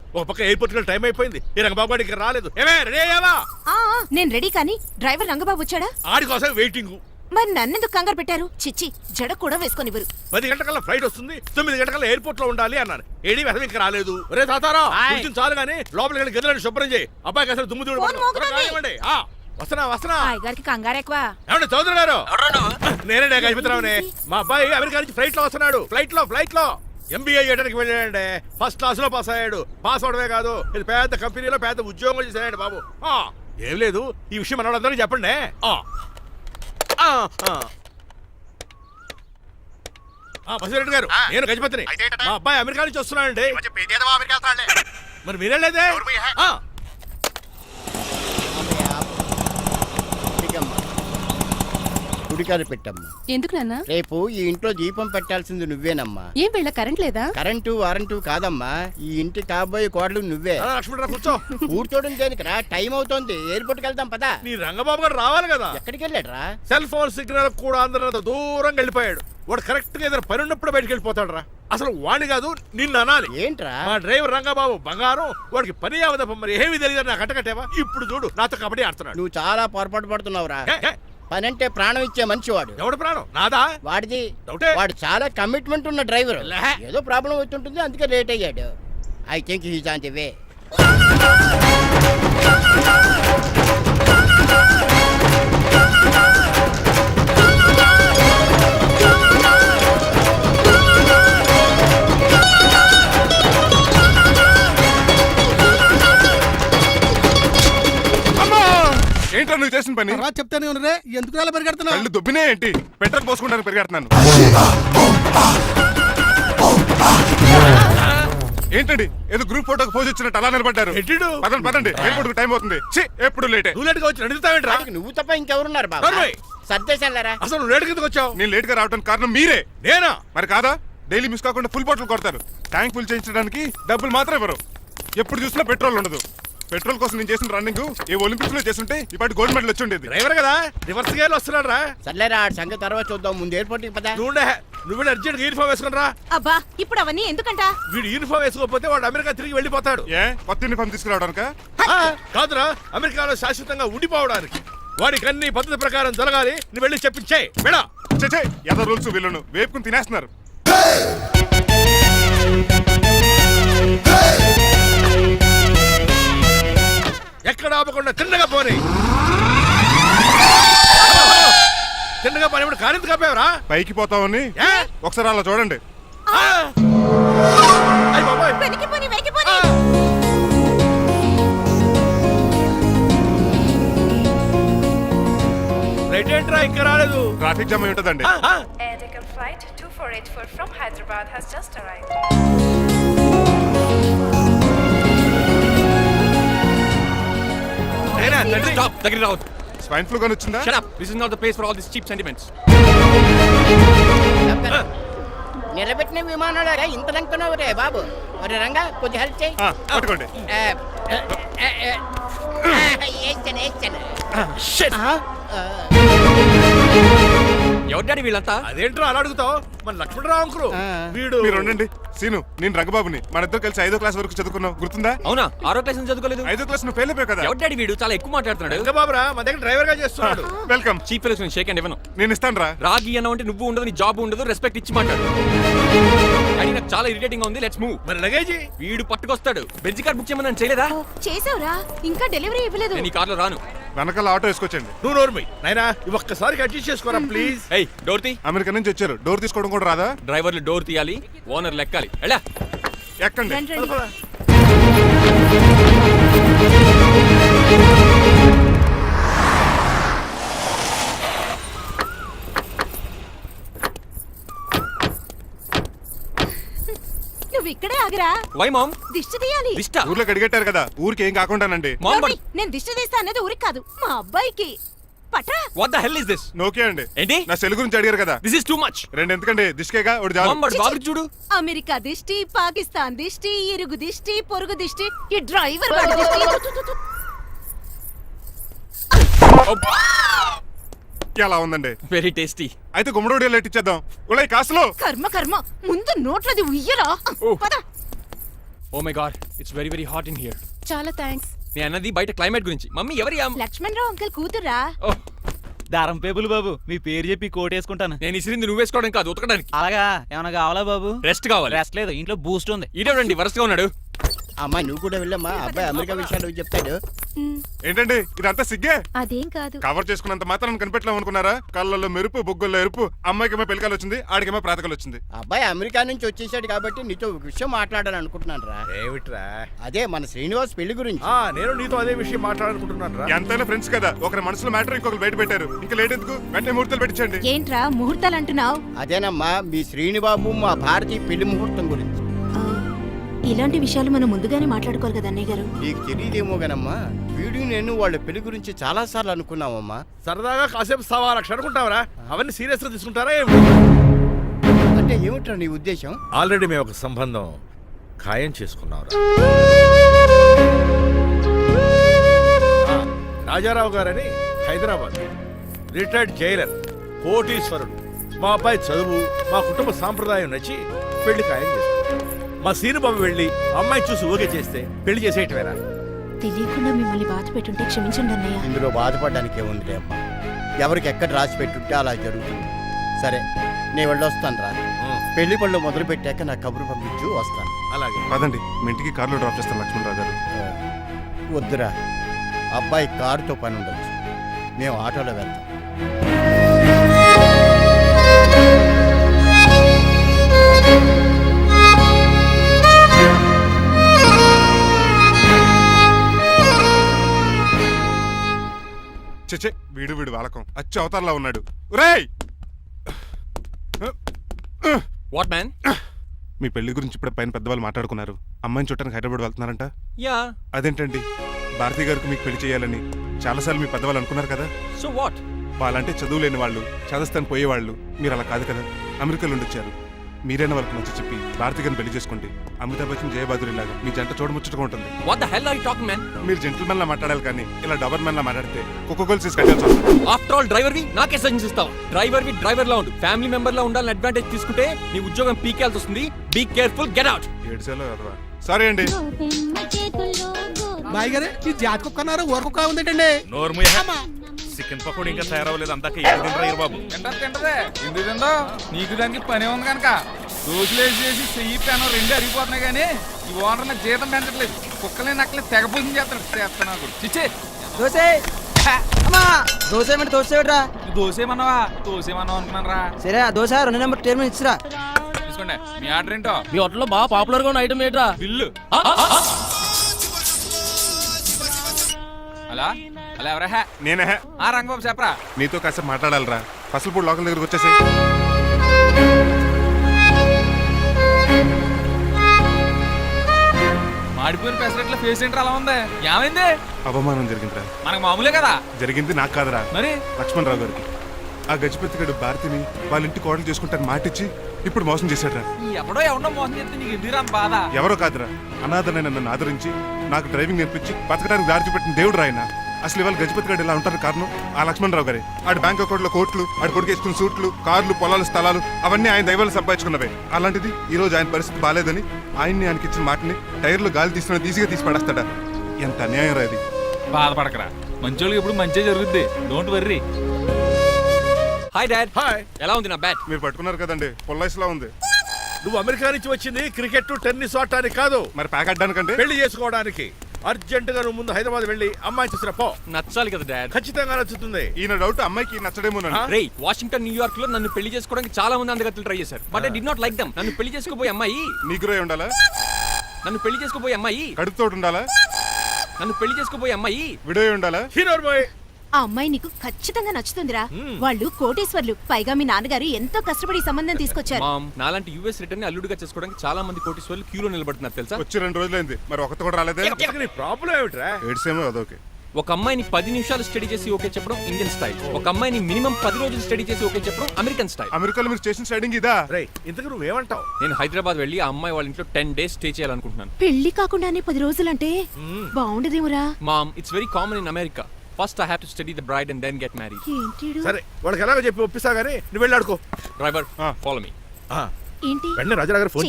ఒక పక్క ఎయిర్పోర్ట్ కి టైం అయిపోయింది. ఈ రంగబాబు గారికి రాలేదు. ఏమే రెడీ అయ్యావా? నేను రెడీ కానీ డ్రైవర్ రంగబాబు వచ్చాడా? ఆడి కోసం వెయిటింగ్. మరి నన్నెందుకు కంగారు పెట్టారు? చిచ్చి, జడ కూడా వేసుకొనివ్వరు. 10 గంటల ఫ్లైట్ వస్తుంది, 9 గంటల ఎయిర్పోర్ట్ లో ఉండాలి అన్నారు. ఏడీ వెధవ ఇంకా రాలేదు. రే తాతారా, కొంచెం చాలు గానీ లోపలికి వెళ్ళి గదిలో శుభ్రం చేయి. అబ్బాయికి అసలు దుమ్ము దూడు వస్తున్నా. గారికి కంగారు ఎక్కువ. ఏమండి చౌదరి గారు? నేనే గజపతిరావునే. మా అబ్బాయి అమెరికా నుంచి ఫ్లైట్ లో వస్తున్నాడు. ఫ్లైట్ లో MBA చేయడానికి వెళ్ళాడండి. ఫస్ట్ క్లాస్ లో పాస్ అయ్యాడు. పాస్ అవడమే కాదు, ఇది పెద్ద కంపెనీలో పెద్ద ఉద్యోగం చేశాడు బాబు. ఏం లేదు, ఈ విషయం మన వాళ్ళందరికీ చెప్పండి. బసిరెడ్డి గారు, నేను గజపతిని. మా అబ్బాయి అమెరికా నుంచి వస్తున్నాడండి. మరి మీరేలేదే? గుడికాడ పెట్టమ్మా. ఎందుకు నాన్న? రేపు ఈ ఇంట్లో దీపం పెట్టాల్సింది నువ్వేనమ్మా. ఏం వీళ్ళ కరెంట్ లేదా? కరెంటు వారంటూ కాదమ్మా, ఈ ఇంటి కాబోయే కోడలు నువ్వే. లక్ష్మణరావు కూర్చో. కూర్చోడం దేనికిరా, టైం అవుతోంది. ఎయిర్పోర్ట్ కి వెళ్దాం పదా. నీ రంగబాబు గారు రావాలి కదా. ఎక్కడికి వెళ్ళాడురా? సెల్ ఫోన్ సిగ్నల్ కూడా అందరూ దూరంగా వెళ్ళిపోయాడు. వాడు కరెక్ట్ గా ఏదైనా పని ఉన్నప్పుడు బయటకు వెళ్ళిపోతాడు రా. అసలు వాణి కాదు, నిన్ను అనాలి. ఏంట్రా? మా డ్రైవర్ రంగబాబు బంగారం. వాడికి పని అవదప్ప, మరి ఏమీ తెలియదు. నాకు కట్టకట్టేవా? ఇప్పుడు చూడు, నాతో కబడ్డీ ఆడుతున్నాడు. నువ్వు చాలా పొరపాటు పడుతున్నావురా. పని అంటే ప్రాణం ఇచ్చే మనిషి వాడు. ఎవడు ప్రాణం? నాదా? వాడిది. డౌటే. వాడు చాలా కమిట్మెంట్ ఉన్న డ్రైవర్. ఏదో ప్రాబ్లం అవుతుంటుంది, అందుకే లేట్ అయ్యాడు. I think he's on the way. ఏంట్రా నువ్వు చేసిన పని? చెప్తానే ఉన్నరే, ఎందుకు అలా పరిగెడుతున్నావు? కళ్ళు దుబ్బినే ఏంటి? పెట్రోల్ పోసుకుంటానికి పరిగెడుతున్నాను. ఏంటండి ఏదో గ్రూప్ ఫోటోకి పోజ్ ఇచ్చినట్టు అలా నిలబడ్డారు? పదండి, ఎయిర్పోర్ట్ టైం అవుతుంది. ఎప్పుడు లేటే. నువ్వు లేట్గా వచ్చి అడుగుతావేంట్రా? నువ్వు తప్ప ఇంకెవరున్నారు బాబా? సర్దేశాలరా. అసలు నువ్వు లేట్ కిందకు వచ్చావు. నేను లేట్ గా రావడానికి కారణం మీరే. నేనా? మరి కాదా? డైలీ మిస్ కాకుండా ఫుల్ బాటిల్ కొడతారు. ట్యాంక్ ఫుల్ చేయించడానికి డబ్బులు మాత్రం ఇవ్వరు. ఎప్పుడు చూసినా పెట్రోల్ ఉండదు. పెట్రోల్ కోసం నేను చేసిన రన్నింగ్ ఏ ఒలింపిక్స్ లో చేస్తుంటే ఇప్పటి గోల్డ్ మెడల్ వచ్చి ఉండేది. డ్రైవర్ కదా, రివర్స్ గేర్ వస్తున్నాడు రా. సర్లేరా, సంగతి తర్వాత చూద్దాం. ముందు ఎయిర్పోర్ట్ కి పదా. నువ్వు అర్జెంట్ యూనిఫామ్ వేసుకుని రా. అబ్బా, ఇప్పుడు అవన్నీ ఎందుకంట? వీడు యూనిఫామ్ వేసుకోకపోతే వాడు అమెరికా తిరిగి వెళ్ళిపోతాడు. ఏ కొత్త యూనిఫామ్ తీసుకురావడానికా? కాదురా, అమెరికాలో శాశ్వతంగా ఉండిపోవడానికి. వాడికి అన్ని పద్ధతి ప్రకారం జరగాలి. నువ్వు వెళ్ళి చెప్పించే మేడా. ఏదో రూల్స్ వీళ్ళను వేపుకుని తినేస్తున్నారు. ఎక్కడ ఆపకుండా తిన్నగా పోనీ. తిన్నగా పోనీ. కారింత కాపేవరా? పైకి పోతావని ఒకసారి అలా చూడండి. రైట్ ఏంట్రా ఇంకా రాలేదు? ట్రాఫిక్ జామ్ అయి ఉంటదండి. Flight 2484 from Hyderabad has just arrived. Stop! Take it out. Swine flu గాని వచ్చిందా? Shut up. This is not the place for all these cheap sentiments. నిలబెట్టిన విమానాలు ఇంత లంకనవు రే బాబు. మరి రంగా కొద్ది హెల్ప్ చేయి. పట్టుకోండి. ఎవరు డాడీ వీళ్ళంతా? అదేంట్రా అలా అడుగుతావు? మన లక్ష్మణరావు అంకులు వీడు. మీరు ఉండండి. సీను, నేను రంగబాబుని. మన ఇద్దరు కలిసి 5వ క్లాస్ వరకు చదువుకున్నాం, గుర్తుందా? అవునా? 6వ క్లాస్ నుంచి చదువుకోలేదు. 5వ క్లాస్ నువ్వు ఫెయిల్ అయిపోయావు కదా. ఎవరు డాడీ వీడు? చాలా ఎక్కువ మాట్లాడుతున్నాడు. రంగబాబురా, మన దగ్గర డ్రైవర్ గా చేస్తున్నాడు. వెల్కమ్. చీఫ్ ఫెలోస్ నేను షేక్ అండ్ ఇవ్వను. నేను ఇస్తాను రా. రాగి అన్న అంటే నువ్వు ఉండదు, నీ జాబ్ ఉండదు, రెస్పెక్ట్ ఇచ్చి మాట్లాడు. డాడీ నాకు చాలా ఇరిటేటింగ్ గా ఉంది. Let's move. మరి లగేజీ వీడు పట్టుకొస్తాడు. బెంజ్ కార్ బుక్ చేయమని చేయలేదా? చేసావురా, ఇంకా డెలివరీ ఇవ్వలేదు. నేను ఈ కార్లో రాను. వెనకాల ఆటో వేసుకొచ్చండి. నువ్వు నోర్మై నైనా, ఒక్కసారి అడ్జస్ట్ చేసుకోరా ప్లీజ్. ఏయ్, డోర్ తీ. అమెరికా నుంచి వచ్చారు, డోర్ తీసుకోవడం కూడా రాదా? డ్రైవర్లు డోర్ తీయాలి, ఓనర్ లెక్కాలి. ఎలా ఎక్కండి. నువ్వు ఇక్కడే ఆగరా. Why mom? దిష్టి తీయాలి. దిష్ట? ఊర్లో కడిగట్టారు కదా, ఊరికి ఏం కాకుండానండి. నేను దిష్టి తీస్తా అనేది ఊరికి కాదు, మా అబ్బాయికి. పట్రా. What the hell is this? నోకే అండి. ఏంటి? నా సెల్ గురించి అడిగారు కదా. This is too much. రెండు ఎందుకండి? దిష్కేగా ఒకటి చాలు. బాబు చూడు. అమెరికా దిష్టి, పాకిస్తాన్ దిష్టి, ఇరుగు దిష్టి, పొరుగు దిష్టి, ఈ డ్రైవర్ వాడి దిష్టి. ఎలా ఉందండి? Very tasty. అయితే గుమ్మడి లైట్ ఇచ్చేద్దాం. ఉలై కాసులో. కర్మ కర్మ, ముందు నోట్లది ఉయ్యరా. పద. Oh my god it's very very hot in here. చాలా థ్యాంక్స్. నేను అన్నది బయట క్లైమేట్ గురించి. మమ్మీ ఎవరి లక్ష్మణ్ రావు అంకుల్ కూతురా? ఓహ్, దారం పేపులు బాబు, మీ పేరు చెప్పి కోటేసుకుంటాను. నేను ఇసిరింది నువ్వు వేసుకోవడం కాదు, ఉతకడానికి. అలాగా ఏమైనా కావాలా బాబు? రెస్ట్ కావాలి. రెస్ట్ లేదు, ఇంట్లో బూస్ట్ ఉంది. ఇదేవండి వరుసగా ఉన్నాడు. అమ్మా నువ్వు కూడా వెళ్ళమ్మా, అబ్బాయి అమెరికా విషయాలు చెప్తాడు. ఏంటండి ఇదంతా సిగ్గే? అదేం కాదు. కవర్ చేసుకున్నంత మాత్రం కనిపెట్టలేం అనుకున్నారా? కళ్ళల్లో మెరుపు, బొగ్గుల్లో ఎరుపు. అమ్మాయికేమో పెళ్ళికాలు వచ్చింది, ఆడికేమో ప్రాతకాలు వచ్చింది. అబ్బాయి అమెరికా నుంచి వచ్చేసాడు కాబట్టి నీతో ఒక విషయం మాట్లాడాలని అనుకుంటున్నాను రా. ఏమిట్రా? అదే మన శ్రీనివాస్ పెళ్లి గురించి. నేను నీతో అదే విషయం మాట్లాడాలనుకుంటున్నాను రా. ఎంతైనా ఫ్రెండ్స్ కదా, ఒకరి మనసులో మ్యాటర్ ఇంకొకరు బయట పెట్టారు. ఇంకా లేట్ ఎందుకు, వెంటనే ముహూర్తాలు పెట్టించండి. ఏంట్రా ముహూర్తాలు అంటున్నావు? అదేనమ్మా మీ శ్రీనిబాబు మా భారతి పెళ్లి ముహూర్తం గురించి. ఇలాంటి విషయాలు మనం ముందుగానే మాట్లాడుకోవాలి కదా అన్నయ్య గారు. నీకు తెలియదేమో గనమ్మా, వీడు నేను వాళ్ళ పెళ్లి గురించి చాలా సార్లు అనుకున్నామమ్మా. సరదాగా కాసేపు సవా లక్ష అనుకుంటావరా? అవన్నీ సీరియస్ గా తీసుకుంటారా ఏమి? అంటే ఏమిట్రా నీ ఉద్దేశం? ఆల్రెడీ మేము ఒక సంబంధం ఖాయం చేసుకున్నాం. రాజారావు గారని హైదరాబాద్ రిటైర్డ్ జైలర్, కోటీశ్వరుడు. మా అబ్బాయి చదువు, మా కుటుంబ సాంప్రదాయం నచ్చి పెళ్లి ఖాయం చేసుకున్నాం. మా సీనుబాబు వెళ్ళి అమ్మాయి చూసి ఓకే చేస్తే పెళ్లి చేసేయటమేనా? తెలియకుండా మిమ్మల్ని బాధ పెట్టుంటే క్షమించండి అన్నయ్య. ఇందులో బాధపడడానికి ఏముందిలే అమ్మా, ఎవరికి ఎక్కడ రాసి పెట్టుంటే అలా జరుగుతుంది. సరే నేను వెళ్ళొస్తాను రా. పెళ్లి పళ్ళు మొదలు పెట్టాక నా కబురు పంపించు, వస్తాను. అలాగే. పదండి, మీ ఇంటికి కార్లో డ్రాప్ చేస్తాను లక్ష్మణరావు గారు. వద్దురా, అబ్బాయి కారుతో పని ఉండొచ్చు, మేము ఆటోలో వెళ్తాం. చచ్చే, వీడు వాలకం అచ్చు అవతారంలో ఉన్నాడు. ఒరేయ్, వాట్ మ్యాన్? మీ పెళ్లి గురించి ఇప్పుడు పైన పెద్దవాళ్ళు మాట్లాడుకున్నారు. అమ్మాయిని చూడటానికి హైదరాబాద్ వెళ్తున్నారంట. యా. అదేంటండి, భారతి గారికి మీకు పెళ్లి చేయాలని చాలాసార్లు మీ పెద్దవాళ్ళు అనుకున్నారు కదా. So what? వాళ్ళంటే చదువు లేని వాళ్ళు, చదస్తాను పోయేవాళ్ళు. మీరు అలా కాదు కదా, అమెరికాలో ఉండొచ్చారు. మీరైనా వాళ్ళకి మంచి చెప్పి భారతి గారిని పెళ్లి చేసుకోండి. అమితాబ్ బచ్చన్, జయబాదురి లాగా మీ జంట చూడముచ్చటగా ఉంటుంది. What the hell are you talking man? మీరు జెంటిల్మెన్ లా మాట్లాడాలి కానీ ఇలా డబర్ మెన్ లా మాట్లాడితే కుక్క గోల్స్ కట్టాల్సి వస్తుంది. ఆఫ్టర్ ఆల్ డ్రైవర్ వి నాకే సజెషన్ ఇస్తావు? డ్రైవర్ లా ఉండు. ఫ్యామిలీ మెంబర్ లా ఉండాలని అడ్వాంటేజ్ తీసుకుంటే నీ ఉద్యోగం పీకేయాల్సి వస్తుంది. Be careful, get out. ఏడ్చేలో కదరా. సారీ అండి. బాయ్ గారే ఈ జాతి కుక్కన్నారు ఊరకుక్క ఉందేటండి. చికెన్ పకోడీ ఇంకా తయారవ్వలేదు, అందాక ఏం తినరా బాబు? తింటదే ఎందుకు తిందో, నీకు దానికి పని ఉంది కనుక. దోశలేసి చెయ్యి పెనం రెండు అరిగిపోతున్నాయి కానీ ఈ ఓనర్ నాకు జీతం పెంచట్లేదు. కుక్కలే నక్కలే తెగ పూజం చేస్తాను. చిచ్చే దోసే అమ్మా, దోశ ఏమంటే దోశ ఏమిట్రా? దోసేమన్నావా? దోసేమన్నావు అనుకున్నాను రా. సరే ఆ దోశ 2 నెంబర్ టేబుల్ ఇచ్చిరా. తీసుకోండి. మీ ఆర్డర్ ఏంటో? మీ హోటల్లో బాగా పాపులర్ గా ఉన్న ఐటమ్ ఏంట్రా? బిల్లు. అలా అలా ఎవరా? నేనే. రంగబాబు చెప్పరా. నీతో కాసేపు మాట్లాడాలిరా. ఫసల్పూడి లోకల్ దగ్గరకు వచ్చేసి. మాడిపోయిన పెసరట్ల ఫేస్ ఏంటర్ అలా ఉంది? ఏమైంది? అవమానం జరిగిందిరా. మనకు మామూలే కదా. జరిగింది నాకు కాదురా, మరి లక్ష్మణరావు గారికి. ఆ గజపతి గడు భారతిని వాళ్ళ ఇంటి కోడలు చేసుకుంటాను మాటిచ్చి ఇప్పుడు మోసం చేశాడ్రా. ఎవడో మోసం చేస్తే నీకు ఎందుకురా బాధ? ఎవరో కాదురా, అనాథనైన నన్ను ఆదరించి నాకు డ్రైవింగ్ నేర్పించి బతకడానికి దారి చూపెట్టిన దేవుడు రాయన. అసలు ఇవాళ గజపతి గడు ఇలా ఉంటారు కారణం ఆ లక్ష్మణరావు గారే. ఆడి బ్యాంక్ అకౌంట్లో కోట్లు, ఆడి కొడుకు వేసుకున్న సూట్లు, కార్లు, పొలాలు, స్థలాలు అవన్నీ ఆయన దైవాలు సంపాదించుకున్నవే. అలాంటిది ఈ రోజు ఆయన పరిస్థితి బాగాలేదని ఆయనకి ఇచ్చిన మాటని టైర్లు గాలి తీసిన ఈజీగా తీసి పడేస్తాడా? ఎంత అన్యాయం రా ఇది. బాధపడకరా, మంచోళ్ళకి ఇప్పుడు మంచి జరుగుద్ది. Don't worry. Hi dad. Hi. ఎలా ఉంది నా బ్యాట్? మీరు పట్టుకున్నారు కదండి, పొల్లైస్లా ఉంది. నువ్వు అమెరికా నుంచి వచ్చింది క్రికెట్ టెన్నిస్ ఆడటానికి కాదు, మరి ప్యాక్ అడ్డానికంటే పెళ్లి చేసుకోవడానికి. అర్జెంట్ గా నువ్వు ముందు హైదరాబాద్ వెళ్ళి అమ్మాయి చూసిన పో. నచ్చాలి కదా డాడ్. ఖచ్చితంగా నచ్చుతుంది. ఈయన డౌట్ అమ్మాయికి నచ్చడేమోనండి. రే, వాషింగ్టన్, న్యూయార్క్ లో నన్ను పెళ్లి చేసుకోవడానికి చాలా మంది అందగత్తలు ట్రై చేశారు. But I did not like them. నన్ను పెళ్లి చేసుకోబోయే అమ్మాయి నీకురై ఉండాలా? నన్ను పెళ్లి చేసుకోబోయే అమ్మాయి కడుపుతోటి ఉండాలా? నన్ను పెళ్లి చేసుకోబోయే అమ్మాయి విడోయి ఉండాలా? Hero boy. ఆ అమ్మాయి నీకు ఖచ్చితంగా నచ్చుతుందిరా. వాళ్ళు కోటేశ్వర్లు, పైగా మీ నాన్నగారు ఎంతో కష్టపడి ఈ సంబంధం తీసుకొచ్చారు. మామ్, నాలాంటి యూఎస్ రిటర్న్ ని అల్లుడిగా చేసుకోవడానికి చాలా మంది కోటీశ్వర్లు క్యూలో నిలబడుతున్నారు తెలుసా? వచ్చి 2 రోజులైంది, మరి ఒకటి కూడా రాలేదే. నీ ప్రాబ్లం ఏమిట్రా? ఏడ్సేమో అదొకే. ఒక అమ్మాయిని 10 నిమిషాలు స్టడీ చేసి ఓకే చెప్పడం ఇండియన్ స్టైల్. ఒక అమ్మాయిని మినిమం 10 రోజులు స్టడీ చేసి ఓకే చెప్పడం అమెరికన్ స్టైల్. అమెరికాలో మీరు చేసిన స్టైడింగ్ ఇదా? రే, ఇంతకు నువ్వేమంటావు? నేను హైదరాబాద్ వెళ్ళి ఆ అమ్మాయి వాళ్ళ ఇంట్లో 10 days స్టే చేయాలనుకుంటున్నాను. పెళ్లి కాకుండానే 10 రోజులంటే బాగుండదేమురా? Mom, it's very common in America. First I have to study the bride and then get married. ఏంటి సరే, వాళ్ళకి ఎలాగో చెప్పి ఒప్పిస్తా గానీ నువ్వు వెళ్ళి ఆడుకో. Driver, follow me. ఏంటి? వెంటనే రాజారావు గారు ఫోన్